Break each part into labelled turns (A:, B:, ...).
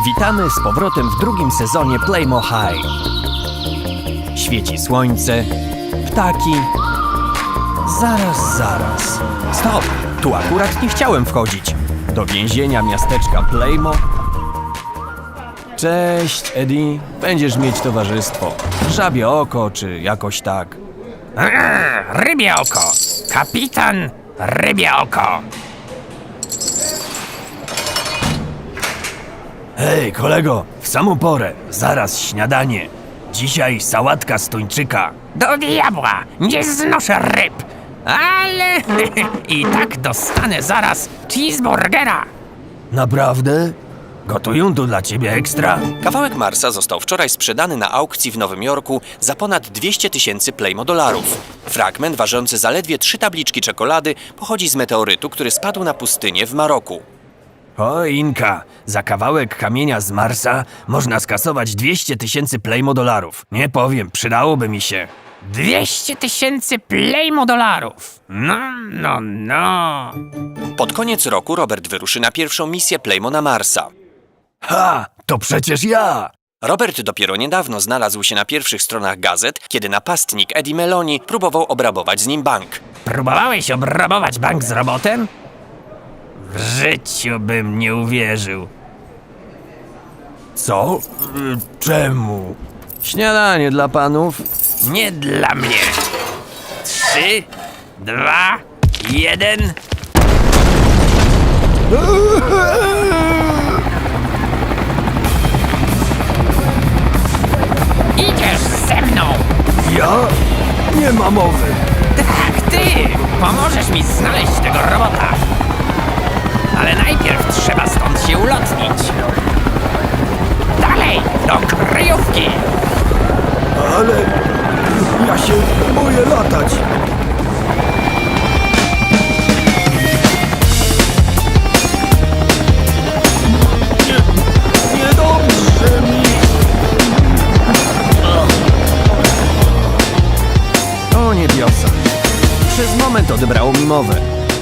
A: Witamy z powrotem w drugim sezonie Playmo High. Świeci słońce, ptaki. Zaraz. Stop! Tu akurat nie chciałem wchodzić. Do więzienia miasteczka Playmo. Cześć, Eddie. Będziesz mieć towarzystwo. Żabie oko, czy jakoś tak.
B: Rybie oko! Kapitan Rybie oko!
A: Hej, kolego, w samą porę. Zaraz śniadanie. Dzisiaj sałatka z tuńczyka.
B: Do diabła! Nie znoszę ryb! Ale i tak dostanę zaraz cheeseburgera!
A: Naprawdę? Gotują tu dla ciebie ekstra? Kawałek Marsa został wczoraj sprzedany na aukcji w Nowym Jorku za ponad 200 000 Playmo dolarów. Fragment ważący zaledwie 3 tabliczki czekolady pochodzi z meteorytu, który spadł na pustynię w Maroku. O, Inka, za kawałek kamienia z Marsa można skasować 200 000 Playmo dolarów. Nie powiem, przydałoby mi się.
B: 200 000 Playmo dolarów! No.
A: Pod koniec roku Robert wyruszy na pierwszą misję Playmo na Marsa. Ha! To przecież ja! Robert dopiero niedawno znalazł się na pierwszych stronach gazet, kiedy napastnik Eddie Meloni próbował obrabować z nim bank.
B: Próbowałeś obrabować bank z robotem? W życiu bym nie uwierzył.
A: Co? Czemu? Śniadanie dla panów.
B: Nie dla mnie. 3, 2, 1. Idziesz ze mną!
A: Ja? Nie ma mowy.
B: Tak, ty! Pomożesz mi znaleźć tego robota. Ale najpierw trzeba stąd się ulotnić. Dalej, do kryjówki!
A: Ale ja się boję latać. Niedobrze mi. O niebiosa. Przez moment odebrało mi mowę.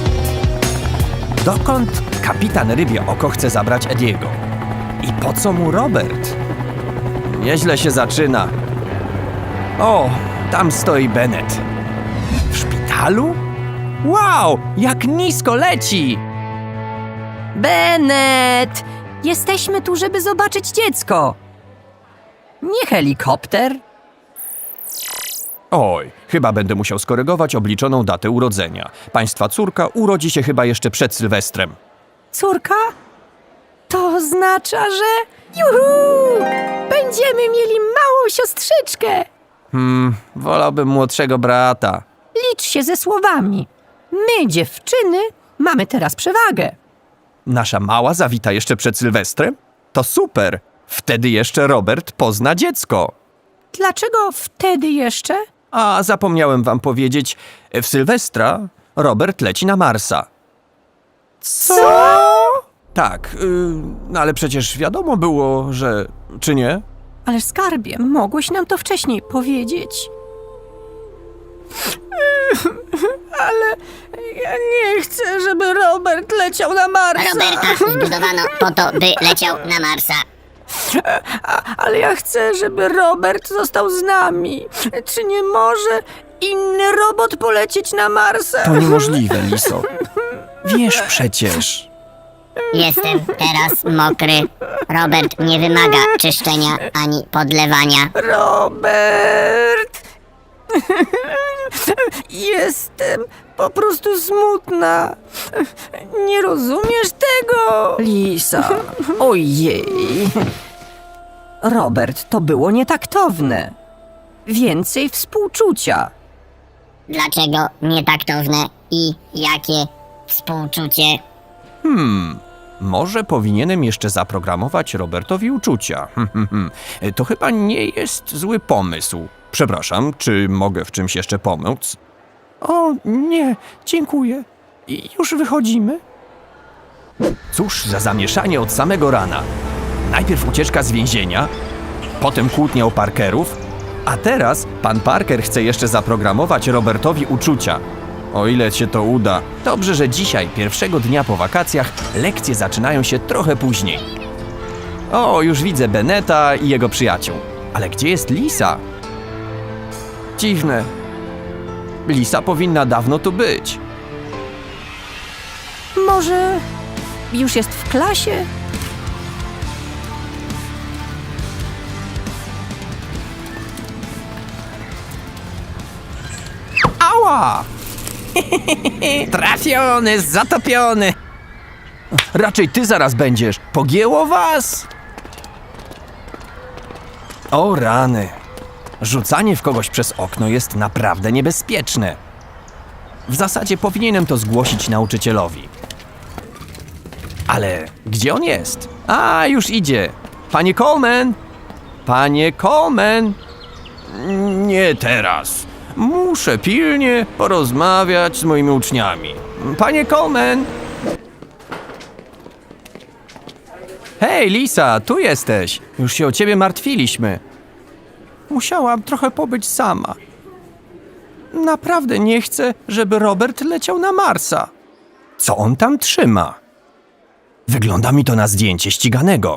A: Dokąd kapitan Rybie Oko chce zabrać Ediego? I po co mu Robert? Nieźle się zaczyna. O, tam stoi Bennett. W szpitalu? Wow, jak nisko leci!
C: Bennett! Jesteśmy tu, żeby zobaczyć dziecko. Nie helikopter.
A: Oj, chyba będę musiał skorygować obliczoną datę urodzenia. Państwa córka urodzi się chyba jeszcze przed Sylwestrem.
C: Córka? To oznacza, że... Juhu! Będziemy mieli małą siostrzyczkę.
A: Wolałbym młodszego brata.
C: Licz się ze słowami. My, dziewczyny, mamy teraz przewagę.
A: Nasza mała zawita jeszcze przed Sylwestrem? To super! Wtedy jeszcze Robert pozna dziecko.
C: Dlaczego wtedy jeszcze?
A: A zapomniałem wam powiedzieć, w Sylwestra Robert leci na Marsa.
C: Co?
A: Tak, ale przecież wiadomo było, że... czy nie?
C: Ale skarbie, mogłeś nam to wcześniej powiedzieć. Ale ja nie chcę, żeby Robert leciał na Marsa.
D: Roberta zbudowano po to, by leciał na Marsa.
C: Ale ja chcę, żeby Robert został z nami. Czy nie może inny robot polecieć na Marsa?
A: To niemożliwe, Liso. Wiesz przecież.
D: Jestem teraz mokry. Robert nie wymaga czyszczenia ani podlewania.
C: Robert! Jestem po prostu smutna. Nie rozumiesz tego? Lisa, ojej. Robert, to było nietaktowne. Więcej współczucia.
D: Dlaczego nietaktowne i jakie współczucie?
A: Może powinienem jeszcze zaprogramować Robertowi uczucia. To chyba nie jest zły pomysł. Przepraszam, czy mogę w czymś jeszcze pomóc? O, nie, dziękuję. I już wychodzimy? Cóż za zamieszanie od samego rana. Najpierw ucieczka z więzienia, potem kłótnia o Parkerów, a teraz pan Parker chce jeszcze zaprogramować Robertowi uczucia. O ile się to uda. Dobrze, że dzisiaj, pierwszego dnia po wakacjach, lekcje zaczynają się trochę później. O, już widzę Beneta i jego przyjaciół. Ale gdzie jest Lisa? Dziwne. Lisa powinna dawno tu być.
C: Może już jest w klasie?
A: Ała!
B: Trafiony, zatopiony.
A: Raczej ty zaraz będziesz. Pogięło was? O rany. Rzucanie w kogoś przez okno jest naprawdę niebezpieczne. W zasadzie powinienem to zgłosić nauczycielowi. Ale gdzie on jest? A, już idzie. Panie Coleman! Panie Coleman! Nie teraz. Muszę pilnie porozmawiać z moimi uczniami. Panie Coleman! Hej, Lisa, tu jesteś. Już się o ciebie martwiliśmy. Musiałam trochę pobyć sama. Naprawdę nie chcę, żeby Robert leciał na Marsa. Co on tam trzyma? Wygląda mi to na zdjęcie ściganego.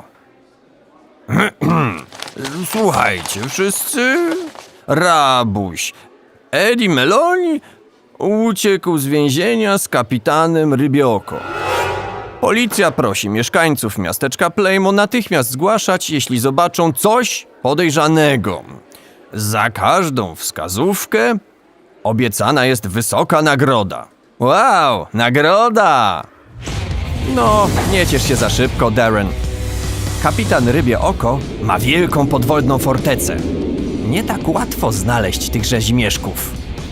A: Słuchajcie, wszyscy. Rabuś. Eddie Meloni uciekł z więzienia z kapitanem Rybioko. Policja prosi mieszkańców miasteczka Plejmo natychmiast zgłaszać, jeśli zobaczą coś podejrzanego. Za każdą wskazówkę obiecana jest wysoka nagroda. Wow, nagroda! No, nie ciesz się za szybko, Darren. Kapitan Rybie Oko ma wielką podwodną fortecę. Nie tak łatwo znaleźć tych rzezimieszków.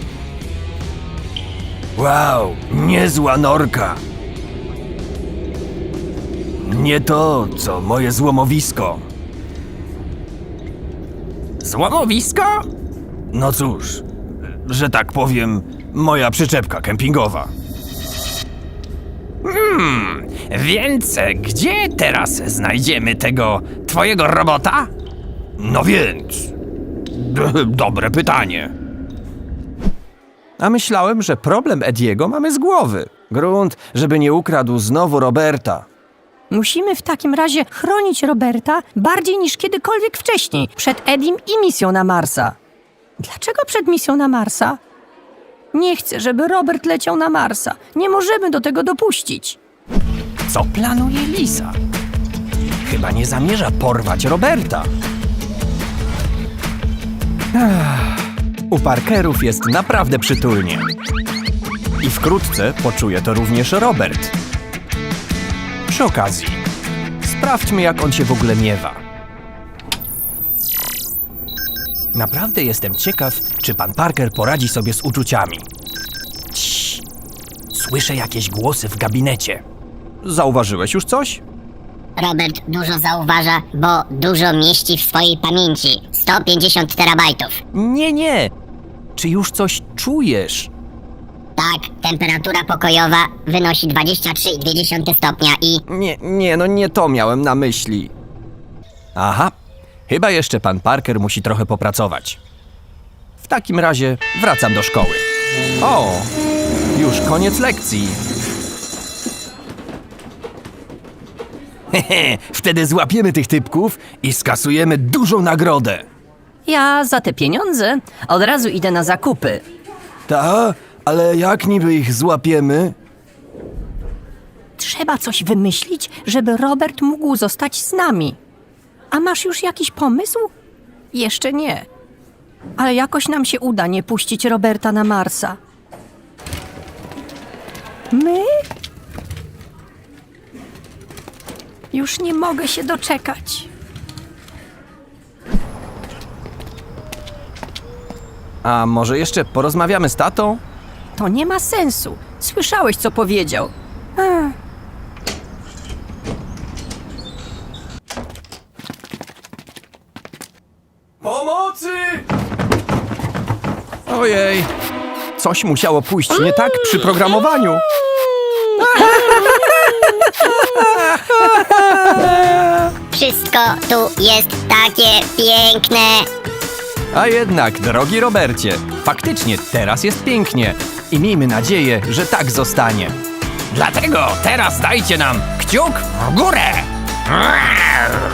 A: Wow, niezła norka. Nie to, co moje złomowisko.
B: Złomowisko?
A: No cóż, że tak powiem, moja przyczepka kempingowa.
B: Więc gdzie teraz znajdziemy tego twojego robota?
A: No więc, dobre pytanie. A myślałem, że problem Ediego mamy z głowy. Grunt, żeby nie ukradł znowu Roberta.
C: Musimy w takim razie chronić Roberta bardziej niż kiedykolwiek wcześniej, przed Edim i misją na Marsa. Dlaczego przed misją na Marsa? Nie chcę, żeby Robert leciał na Marsa. Nie możemy do tego dopuścić.
A: Co planuje Lisa? Chyba nie zamierza porwać Roberta. U Parkerów jest naprawdę przytulnie. I wkrótce poczuje to również Robert. Przy okazji, sprawdźmy, jak on się w ogóle miewa. Naprawdę jestem ciekaw, czy pan Parker poradzi sobie z uczuciami. Cii. Słyszę jakieś głosy w gabinecie. Zauważyłeś już coś?
D: Robert dużo zauważa, bo dużo mieści w swojej pamięci. 150 terabajtów.
A: Nie. Czy już coś czujesz?
D: Tak, temperatura pokojowa wynosi 23,2 stopnia i...
A: Nie to miałem na myśli. Aha, chyba jeszcze pan Parker musi trochę popracować. W takim razie wracam do szkoły. O, już koniec lekcji. Hehe, wtedy złapiemy tych typków i skasujemy dużą nagrodę.
C: Ja za te pieniądze od razu idę na zakupy.
A: Ta, ale jak niby ich złapiemy?
C: Trzeba coś wymyślić, żeby Robert mógł zostać z nami. A masz już jakiś pomysł? Jeszcze nie. Ale jakoś nam się uda nie puścić Roberta na Marsa. My? Już nie mogę się doczekać.
A: A może jeszcze porozmawiamy z tatą?
C: To nie ma sensu. Słyszałeś, co powiedział.
A: Pomocy! Ojej, coś musiało pójść nie tak przy programowaniu.
D: Wszystko tu jest takie piękne.
A: A jednak, drogi Robercie, faktycznie teraz jest pięknie i miejmy nadzieję, że tak zostanie.
B: Dlatego teraz dajcie nam kciuk w górę!